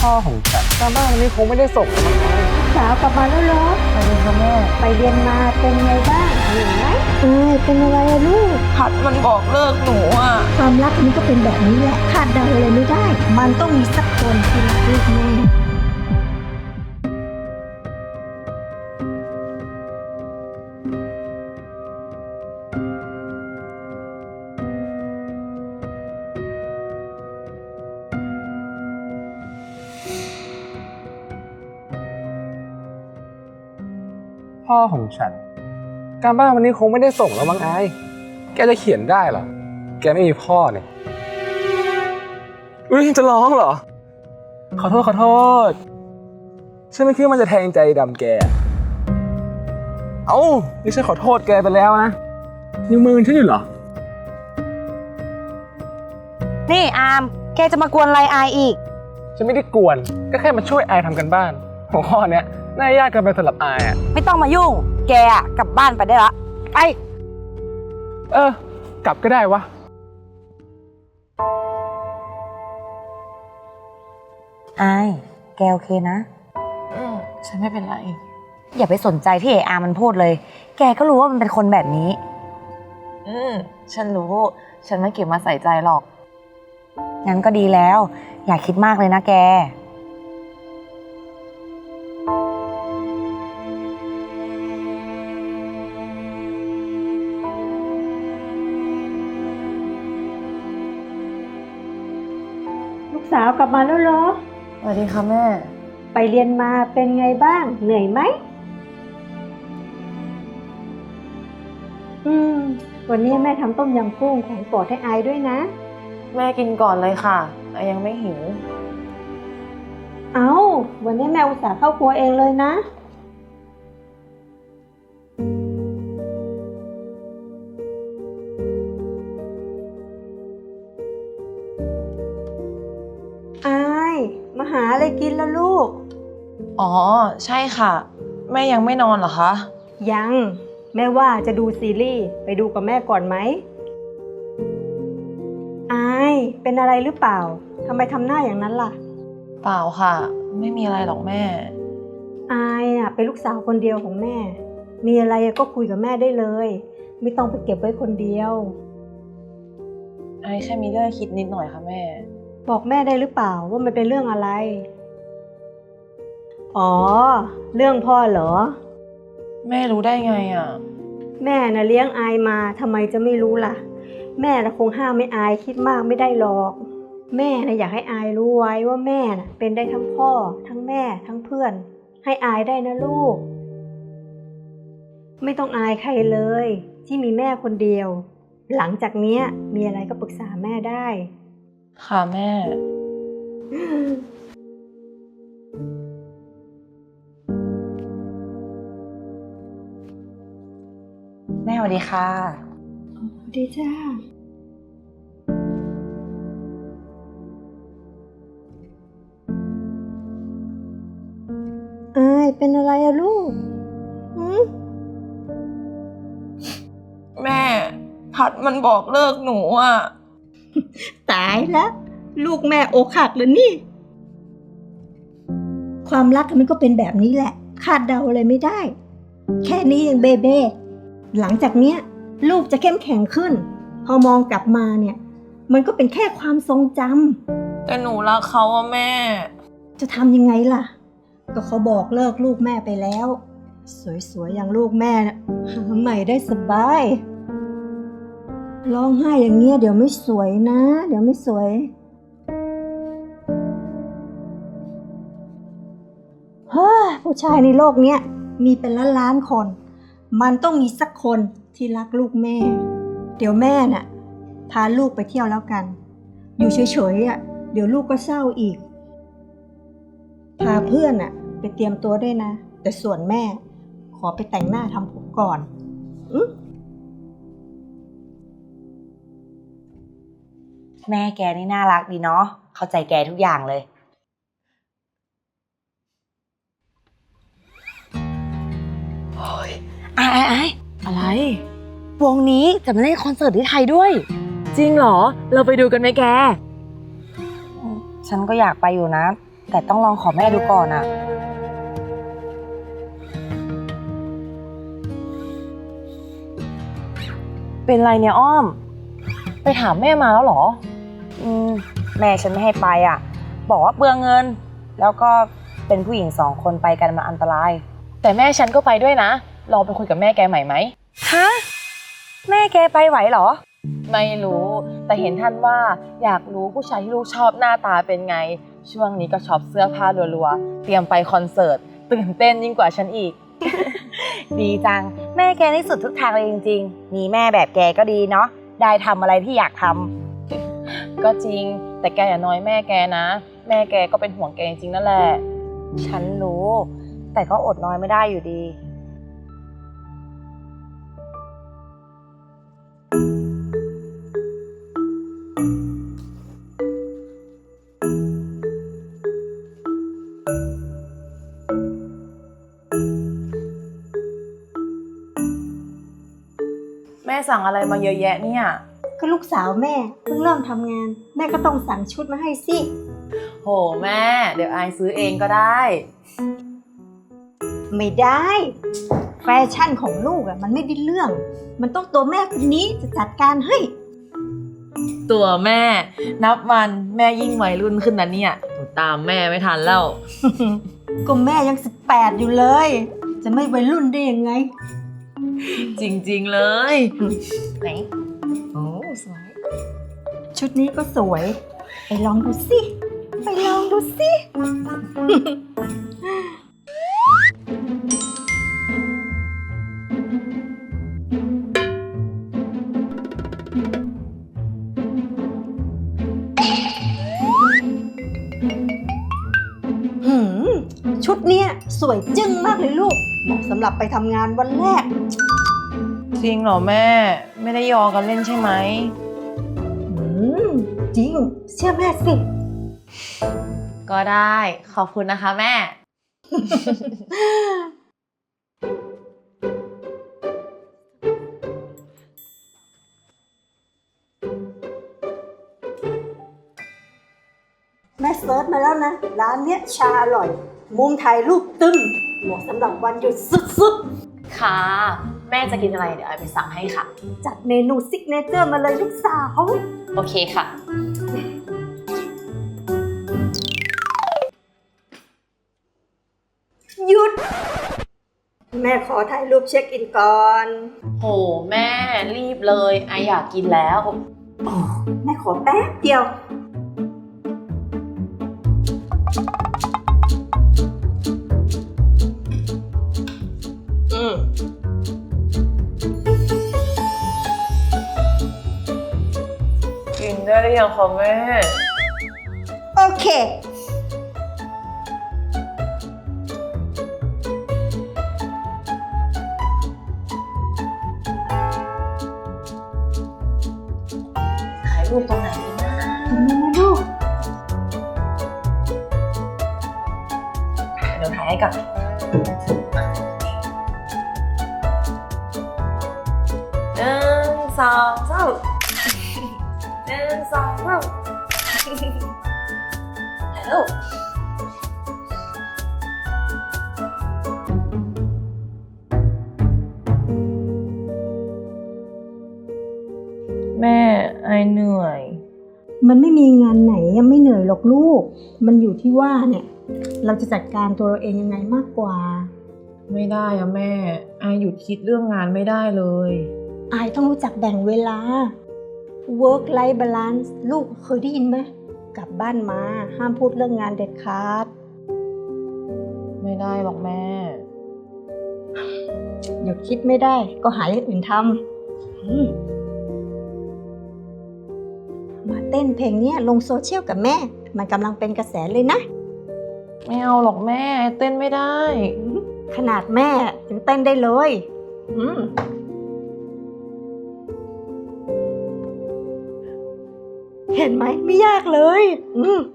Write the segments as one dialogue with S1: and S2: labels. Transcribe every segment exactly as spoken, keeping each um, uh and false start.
S1: พ่อของฉันการบ้านวันนี้คงไม่ได้ส่งแล้วมั้ง
S2: สาวกลับมาแล้วเหรอ
S1: ไปเรียนค่ะแม่
S2: ไปเรียนมาเป็นไงบ้างเหนื่อยไหมเออเป็นอะไรอะลูก
S3: พัดมันบอกเลิกหนูอ่ะ
S2: ความรักมันก็เป็นแบบนี้แหละคาดเดาอะไรไม่ได้ มันต้องมีสักคนที่รักลูกแม่
S1: พ่อของฉันการบ้านวันนี้คงไม่ได้ส่งแล้วมั้งไอ้แกจะเขียนได้เหรอแกไม่มีพ่อเนี่ยอุ้ยจะร้องเหรอขอโทษขอโทษฉันไม่คิดว่ามันจะแทงใจดำแกเอ้านี่ฉันขอโทษแกไปแล้วนะยังมือฉันอยู่เหรอ
S3: นี่อามแกจะมากวนอะไรอายอีก
S1: ฉันไม่ได้กวนก็แค่มาช่วยไอทำกันบ้านหัวข้อเนี้ยน่ายากเกินไปสำหรับไออ่ะ
S3: ไม่ต้องมายุ่งแกอะกลับบ้านไปได้ละไป
S1: เออกลับก็ได้วะ
S3: อายแกโอเคนะ
S4: อืมฉันไม่เป็นไร
S3: อย่าไปสนใจที่ไอ้อามันพูดเลยแกก็รู้ว่ามันเป็นคนแบบนี้
S4: อืมฉันรู้ฉันไม่เก็บมาใส่ใจหรอก
S3: งั้นก็ดีแล้วอย่าคิดมากเลยนะแก
S2: ลูกสาวกลับมาแล้วเหรอ
S4: สวัสดีค่ะแม่
S2: ไปเรียนมาเป็นไงบ้างเหนื่อยไหมอืมวันนี้แม่ทำต้มยำกุ้งของโปรดให้อายด้วยนะ
S4: แม่กินก่อนเลยค่ะอายยังไม่หิว
S2: เอา้าวันนี้แม่อุตส่าห์เข้าครัวเองเลยนะอายมาหาอะไรกินแล้วลูก
S4: อ๋อใช่ค่ะแม่ยังไม่นอนเหรอคะ
S2: ยังแม่ว่าจะดูซีรีส์ไปดูกับแม่ก่อนไหมอายเป็นอะไรหรือเปล่าทำไมทำหน้าอย่างนั้นล่ะ
S4: เปล่าค่ะไม่มีอะไรหรอกแม่
S2: อายอ่ะเป็นลูกสาวคนเดียวของแม่มีอะไรก็คุยกับแม่ได้เลยไม่ต้องไปเก็บไว้คนเดียว
S4: อายแค่มีเรื่องคิดนิดหน่อยค่ะแม่
S2: บอกแม่ได้หรือเปล่าว่ามันเป็นเรื่องอะไรอ๋อเรื่องพ่อเหรอ
S4: แม่รู้ได้ไงอ่ะ
S2: แม่น่ะเลี้ยงอายมาทำไมจะไม่รู้ล่ะแม่น่ะคงห้ามไม่อายคิดมากไม่ได้หรอกแม่น่ะอยากให้อายรู้ไว้ว่าแม่น่ะเป็นได้ทั้งพ่อทั้งแม่ทั้งเพื่อนให้อายได้นะลูกไม่ต้องอายใครเลยที่มีแม่คนเดียวหลังจากนี้มีอะไรก็ปรึกษาแม่ได้
S4: ค่ะแม่
S3: แม่สวัสดีค่ะ
S2: สวัสดีจ้าอายเป็นอะไรอะลูกหืม
S4: แม่พัดมันบอกเลิกหนูอ่ะ
S2: ตายแล้วลูกแม่อกหักเลยนี่ความรักมันก็เป็นแบบนี้แหละคาดเดาอะไรไม่ได้แค่นี้ยังเบเบ้หลังจากเนี้ยลูกจะเข้มแข็งขึ้นพอมองกลับมาเนี่ยมันก็เป็นแค่ความทรงจ
S4: ำแต่หนูรักเขาอะแม่
S2: จะทำยังไงล่ะก็เขาบอกเลิกลูกแม่ไปแล้วสวยๆอย่างลูกแม่นะหาใหม่ได้สบายร้องไห้อย่างเงี้ยเดี๋ยวไม่สวยนะเดี๋ยวไม่สวยเฮ้ยผู้ชายในโลกเนี้ยมีเป็นล้านล้านคนมันต้องมีสักคนที่รักลูกแม่เดี๋ยวแม่น่ะพาลูกไปเที่ยวแล้วกันอยู่เฉยๆอ่ะเดี๋ยวลูกก็เศร้าอีกพาเพื่อนอ่ะไปเตรียมตัวด้วยนะแต่ส่วนแม่ขอไปแต่งหน้าทำผมก่อนอือ
S3: แม่แกนี่น่ารักดีเนาะเข้าใจแกทุกอย่างเลยโอ้ยไอ้ไอ้
S4: อะไร
S3: วงนี้จะมาเล่นคอนเสิร์ตที่ไทยด้วย
S4: จริงเหรอเราไปดูกันไหมแก
S3: ฉันก็อยากไปอยู่นะแต่ต้องลองขอแม่ดูก่อนอะเป็นไรเนี่ยอ้อม
S4: ไปถามแม่มาแล้วเหรอ
S3: อืมแม่ฉันไม่ให้ไปอ่ะ บอกว่าเปลืองเงิน แล้วก็เป็นผู้หญิงสองคนไปกันมันอันตราย
S4: แต่แม่ฉันก็ไปด้วยนะ ลองไปคุยกับแม่แกใหม่ไหม
S3: ฮะ แม่แกไปไหวเหรอ
S4: ไม่รู้ แต่เห็นท่านว่าอยากรู้ผู้ชายที่ลูกชอบหน้าตาเป็นไง ช่วงนี้ก็ช็อปเสื้อผ้ารัวๆ เตรียมไปคอนเสิร์ต ตื่นเต้นยิ่งกว่าฉันอีก
S3: ดีจัง แม่แกนี่สุดทุกทางเลยจริงๆ มีแม่แบบแกก็ดีเนาะ ได้ทำอะไรที่อยากทำ
S4: ก็จริง แต่แกอย่าน้อยแม่แกนะ แม่แกก็เป็นห่วงแกจริงๆนั่นแหละ
S3: ฉันรู้ แต่ก็อดน้อยไม่ได้อยู่ดี
S4: แม่สั่งอะไรมาเยอะแยะเนี่ย
S2: ก็ลูกสาวแม่เพิ่งเริ่มทำงาน แม่ก็ต้องสั่งชุดมาให้สิ
S4: โหแม่ เดี๋ยวอายซื้อเองก็ได้
S2: ไม่ได้ แฟชั่นของลูกอะมันไม่ได้เรื่อง มันต้องตัวแม่คนนี้จะจัดการให้
S4: ตัวแม่ นับวันแม่ยิ่งวัยรุ่นขึ้นนะเนี่ยหนูตามแม่ไม่ทันแล้ว
S2: ก็แม่ยังสิบแปดอยู่เลย จะไม่วัยรุ่นได้ยังไง
S4: จริงๆเลย ไหน โอ้สวย
S2: ชุดนี้ก็สวย ไปลองดูสิ ไปลองดูสิ หืม ชุดเนี้ยสวยจึ้งมากเลยลูก เหมาะสำหรับไปทำงานวันแรก
S4: จริงเหรอแม่ ไม่ได้ยอกันเล่นใช่ไหม
S2: อืม จริง เชื่อแม่สิ
S4: ก็ได้ ขอบคุณนะคะแม่
S2: แม่เซิร์ชมาแล้วนะ ร้านเนี้ยชาอร่อย มุมถ่ายรูปตึ้มเหมาะสำหรับวันหยุดสุด
S4: ค่ะ แม่จะกินอะไรเดี๋ยวไอไปสั่งให้ค่ะ
S2: ๆ จัดเมนูซิกเนเจอร์มาเลยลูกสาว
S4: โอเคค่ะ
S2: หยุด แม่ขอถ่ายรูปเช็คอินก่อน
S4: โหแม่รีบเลยไออยากกินแล้ว
S2: อ๋อ แม่ขอแป๊บเดียว
S4: อืมกินได้หรือยังคะแม่
S2: โอเค
S4: ถ่ายรูปตรงไหนดีนะ
S2: ตรงนี้นะลูก
S4: เดี๋ยวถ่ายให้ก่อนหนึ่งสองสามหนึ่งสองสามถ่ายรูปแม่ไอเหนื่อย
S2: มันไม่มีงานไหนยังไม่เหนื่อยหรอกลูก มันอยู่ที่ว่าเนี่ย เราจะจัดการตัวเราเองยังไงมากกว่า
S4: ไม่ได้อะแม่ไอหยุดคิดเรื่องงานไม่ได้เลย
S2: อายต้องรู้จักแบ่งเวลา work life balance ลูกเคยได้ยินไหม กลับบ้านมาห้ามพูดเรื่องงานเด็ดขาด
S4: ไม่ได้หรอกแม่
S2: หยุดคิดไม่ได้ก็หาอย่างอื่นทำอืมมาเต้นเพลงเนี้ยลงโซเชียลกับแม่ มันกำลังเป็นกระแสเลยนะ
S4: ไม่เอาหรอกแม่เต้นไม่ได้
S2: ขนาดแม่ยังเต้นได้เลยอืมเห็นไหมไม่ยากเลยอืม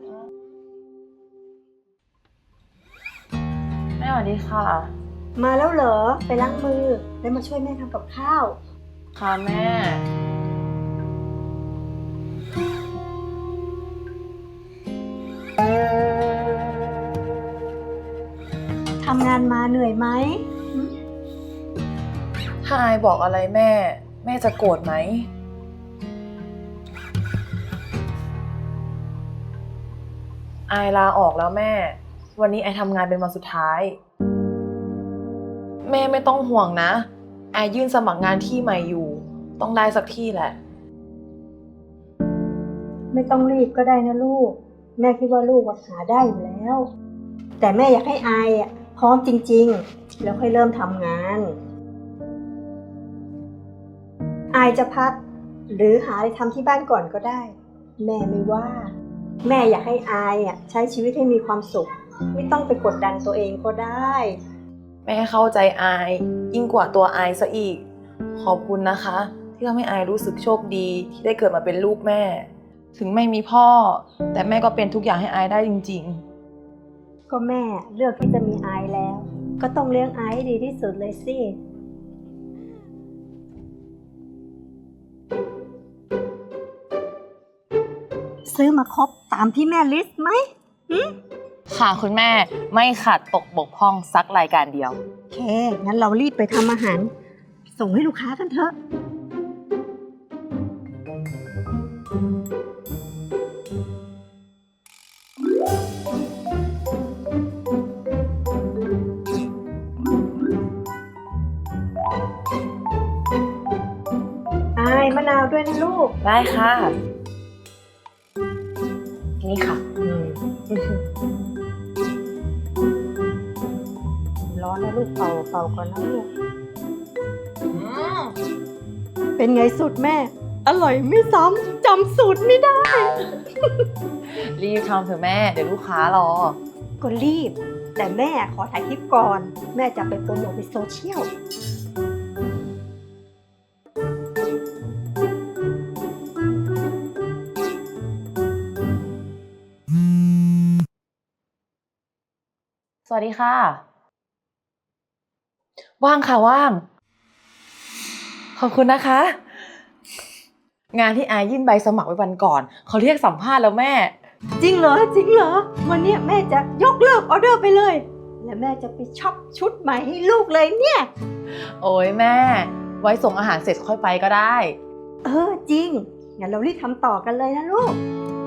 S4: แม่สวัสดีค่ะ
S2: มาแล้วเหรอ ไปล้างมือ แล้วมาช่วยแม่ทำกับข้าว
S4: ค่ะแม่
S2: อทำงานมาเหนื่อยไหม
S4: ถ้าอายบอกอะไรแม่ แม่จะโกรธไหม อายลาออกแล้วแม่ วันนี้ไอทำงานเป็นวันสุดท้าย แม่ไม่ต้องห่วงนะไอยื่นสมัครงานที่ใหม่อยู่ ต้องได้สักที่แหละ
S2: ไม่ต้องรีบก็ได้นะลูก แม่คิดว่าลูกอะหาได้อยู่แล้ว แต่แม่อยากให้อายอะพร้อมจริงๆ แล้วค่อยเริ่มทำงาน อายจะพัก หรือหาอะไรทำที่บ้านก่อนก็ได้ แม่ไม่ว่า แม่อยากให้อายอะใช้ชีวิตให้มีความสุข ไม่ต้องไปกดดันตัวเองก็ได้
S4: แม่เข้าใจอายยิ่งกว่าตัวอายซะอีก ขอบคุณนะคะ ที่ทำให้อายรู้สึกโชคดีที่ได้เกิดมาเป็นลูกแม่ ถึงไม่มีพ่อ แต่แม่ก็เป็นทุกอย่างให้อายได้จริงๆ
S2: ก็แม่เลือกที่จะมีอายแล้ว ก็ต้องเลี้ยงอายให้ดีที่สุดเลยสิ ซื้อมาครบตามที่แม่ลิสต์ไหม
S4: ค่ะคุณแม่ไม่ขาดตกบกพร่องสักรายการเดียว
S2: โอเค งั้นเรารีบไปทำอาหาร ส่งให้ลูกค้ากันเถอะ อายมะนาวด้วยนะลูก
S4: ได้ค่ะ นี่ค่ะ
S2: ร้อนนะลูกเป่าเป่าก่อนนะลูก เป็นไงสูตรแม่ อร่อยไม่ซ้ำจำสูตรไม่ได้
S4: รีบทำเถอะแม่ เดี๋ยวลูกค้ารอ
S2: ก็รีบ แต่แม่ขอถ่ายคลิปก่อน แม่จะไปโปรโมทในโซเชียล
S4: สวัสดีค่ะ ว่างค่ะว่าง ขอบคุณนะคะ งานที่อายยื่นใบสมัครไว้วันก่อน เขาเรียกสัมภาษณ์แล้วแม่
S2: จริงเหรอ จริงเหรอ วันเนี้ยแม่จะยกเลิกออเดอร์ไปเลย และแม่จะไปช็อปชุดใหม่ให้ลูกเลยเนี่ย
S4: โอ้ยแม่ ไว้ส่งอาหารเสร็จค่อยไปก็ได้
S2: เออจริง งั้นเรารีบทำต่อกันเลยนะลูก